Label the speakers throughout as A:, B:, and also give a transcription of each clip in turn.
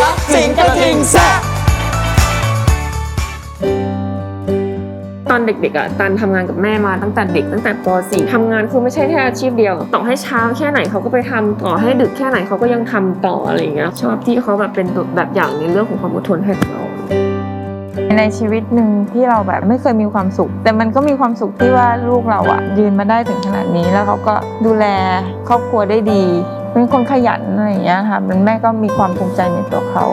A: สิงกระทิงแซ่บ
B: ตอนเด็กๆอ่ะตันทำงานกับแม่มาตั้งแต่เด็กตั้งแต่ป .4 ทำงานคือไม่ใช่แค่อาชีพเดียวต่อให้เช้าแค่ไหนเขาก็ไปทำต่อให้ดึกแค่ไหนเขาก็ยังทำต่ออะไรอย่างเงี้ยชอบที่เขาแบบเป็นแบบอย่างในเรื่องของความอดทนให้เรา
C: ในชีวิตหนึ่งที่เราแบบไม่เคยมีความสุขแต่มันก็มีความสุขที่ว่าลูกเราอะยืนมาได้ถึงขนาดนี้แล้วเขาก็ดูแลครอบครัวได้ดีเป็นคนขยันอะไรอย่างเงี้ยค่ะแม่ก็มีความภูมิใจในตัวเขา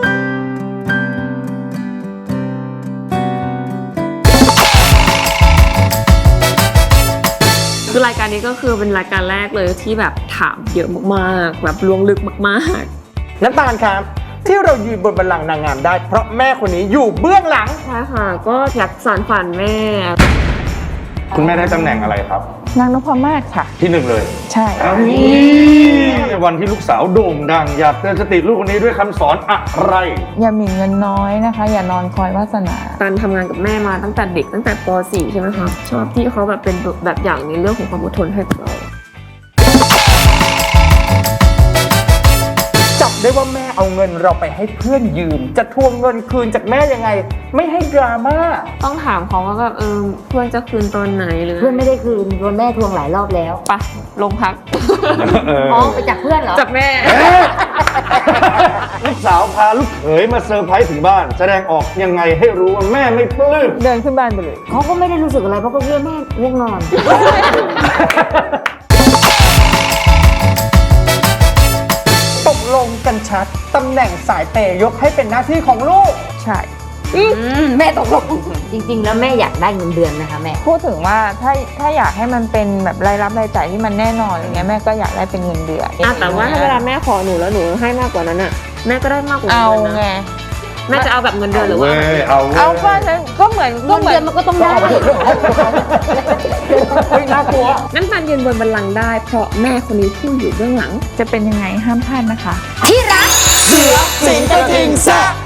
B: คือรายการนี้ก็คือเป็นรายการแรกเลยที่แบบถามเยอะมากๆแบบล้วงลึกมาก
A: ๆน้ำตาลครับที่เรายืนบนบัลลังก์นางงามได้เพราะแม่คนนี้อยู่เบื้องหลัง
B: ใช่ค่ะก็อยากสานฝันแม่
D: คุณแม่ได้ตำแหน่งอะไรครับ
C: นางนพมาศค่ะ
D: ที่1เลย
C: ใช่
D: ในวันที่ลูกสาวโด่งดังอยากเตือนสติลูกคนนี้ด้วยคำสอนอะไร
C: อย่าหมิ่นเงินน้อยนะคะอย่านอนคอยวาสนา
B: ตันทำงานกับแม่มาตั้งแต่เด็กตั้งแต่ป .4 ใช่ไหมคะชอบที่เขาแบบเป็นแบบอย่างในเรื่องของความอดทนให้เรา
A: จับได้ว่าแม่เอาเงินเราไปให้เพื่อนยืมจะทวงเงินคืนจากแม่ยังไงไม่ให้ดราม่า
B: ต้องถามเขาว่าแบบเพื่อนจะคืนตอนไหนหรือ
E: เพื่อนไม่ได้คืนโดนแม่ทวงหลายรอบแล้ว
B: ปะลงพัก
E: อ๋อไปจากเพื่อนเหรอ
B: จากแม่
D: ลูกสาวพาลูกเขยมาเซอร์ไพรส์ถึงบ้านแสดงออกยังไงให้รู้ว่าแม่ไม่ปลื้ม
C: เดินขึ้นบ้านไปเลย
E: เขาก็ไม่ได้รู้สึกอะไรเพราะก็เรียกแม่ง่วงนอน
A: ตกลงกันชัดตำแหน่งสายเปย์ยกให้เป็นหน้าที่ของลูก
C: ใช่
E: แม่ตกลงจริงๆแล้วแม่อยากได้เงินเดือนนะคะแม่
C: พูดถึงว่าถ้าอยากให้มันเป็นแบบรายรับรายจ่ายที่มันแน่นอนอย่างเงี้ยแม่ก็อยากได้เป็นเงินเดือน
B: แต่ว่าถ้าเวลาแม่ขอหนูแล้วหนูให้มากกว่านั้นอ่ะแม่ก็ได้มากกว่านั้น
C: เอาไง
B: แม่จะเอาแบบเงินเดือนหรือว่า
C: เอาก็เหมือน
E: เงินเดือนมันก็ต้องได้
A: น่ากลัว
B: น้ำตาลยืนบนบัลลังก์ได้เพราะแม่คนนี้ผู้อยู่เบื้องหลัง
C: จะเป็นยังไงห้ามพลาดนะคะ
E: ที่รัก
A: เสือสิงกระทิงแซ่บ